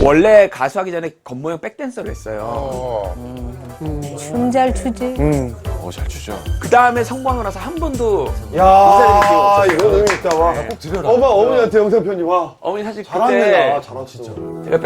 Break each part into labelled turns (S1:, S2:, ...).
S1: 원래 가수하기 전에 겉모형 백댄서를 했어요.
S2: 춤 잘 추지.
S3: 잘 추죠.
S1: 그 다음에 성공하고 나서 한 번도
S4: 야, 이거 너무 있다. 와.
S3: 꼭 드려라.
S4: 어머니한테 영상 편지 와.
S1: 어머니 사실
S4: 잘하네,
S1: 그때
S4: 나. 잘하네, 진짜.
S1: 제가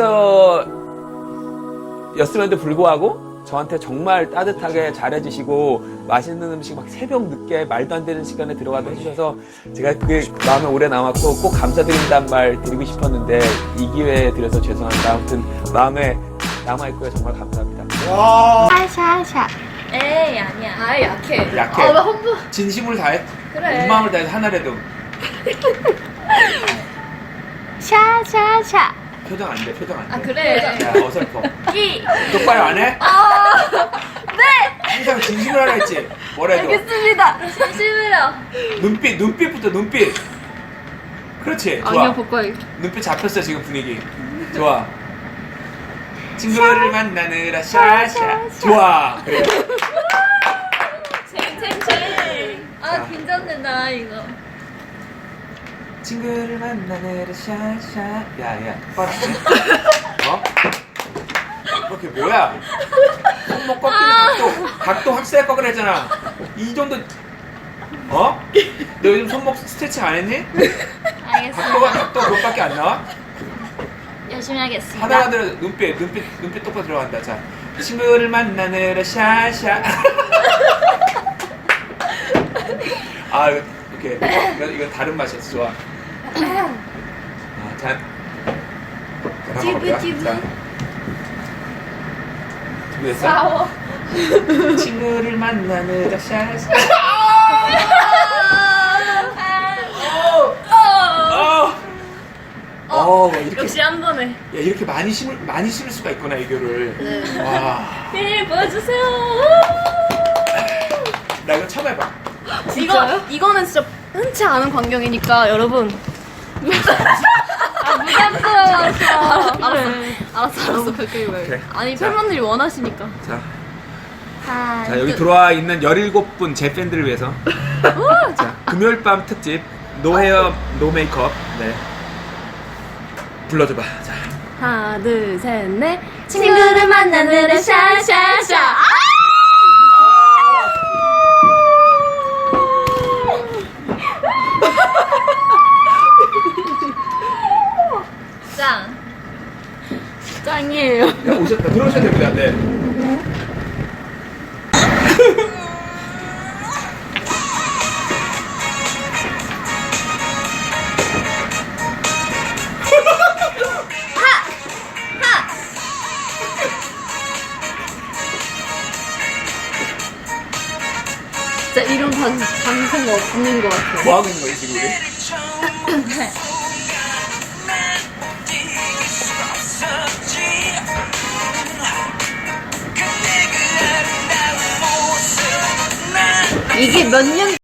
S1: 백댄서였음에도 불구하고 저한테 정말 따뜻하게 잘해주시고 맛있는 음식 막 새벽 늦게 말도 안 되는 시간에 들어가도 해주셔서 제가 그게 마음에 오래 남았고 꼭 감사드린다는 말 드리고 싶었는데 이 기회에 드려서 죄송합니다. 아무튼 마음에 남아있고요. 정말 감사합니다.
S4: 와.
S2: 샤샤샤.
S5: 에이 아니야. 아 약해.
S1: 약해.
S5: 아, 왜 홍보?
S1: 진심으로 다해.
S5: 그래.
S1: 온 마음을 다해서 하나라도.
S2: 샤샤샤.
S1: 표정 안 돼. 표정 안 돼.
S5: 아 그래.
S1: 야, 어설퍼.
S5: 이.
S1: 똑바로 안 해?
S5: 네.
S1: 항상 진심으로 하라 했지. 뭐래도.
S5: 알겠습니다. 진심으로.
S1: 눈빛부터 눈빛. 그렇지. 좋아.
S5: 아니야 복과이.
S1: 눈빛 잡혔어 지금 분위기. 좋아. 친구를 만나느라 샤샤. 좋아. 그래.
S5: 챙챙챙. 아 긴장된다 이거.
S1: 친구를 만나느라 샤샤. 야야. 똑바로 안 해? 어? 그렇게 뭐야? 손목 꺾이는 각도 확실하게 꺾으랬잖아. 이 정도. 어? 너 요즘 손목 스트레칭 안 했니?
S5: 알겠습니다.
S1: 각도 그것밖에 안 나와?
S5: 열심히 하겠습니다.
S1: 하다가 들어 눈빛 똑바로 들어간다. 자, 친구를 만나느라 샤샤. 아, 이렇게 이거 다른 맛이었어. 좋아. 아, 자,
S5: 찌부찌부.
S1: 준비됐어?
S5: 싸워.
S1: 친구를 만나느라 샤샤. 이렇게
S5: 역시 한 번에.
S1: 야, 이렇게 많이 심을 수가 있구나 애교를.
S5: 네.
S1: 와,
S5: 네 보여주세요.
S1: 나 이거 처음 해봐.
S5: 이거는 진짜 흔치 않은 광경이니까 여러분. 아 부담스러워서. 알았어. 가까이 와요.
S1: 오케이.
S5: 아니
S1: 자.
S5: 팬분들이 원하시니까.
S1: 자, 여기 들어와 있는 17분 제 팬들을 위해서. 자, 금요일 밤 특집 노 헤어 노 메이크업. 네. 불러줘봐. 자.
S5: 하나 둘 셋 넷. 친구를 만나느라 샤샤샤. 짱. 짱이에요.
S1: 야, 오셨다. 들어오셔야 됩니다. 네.
S5: 진짜 이런 방송 없는 것 같아요.
S1: 뭐 하고 있는 거지 지금 우리?
S5: 이게 몇 년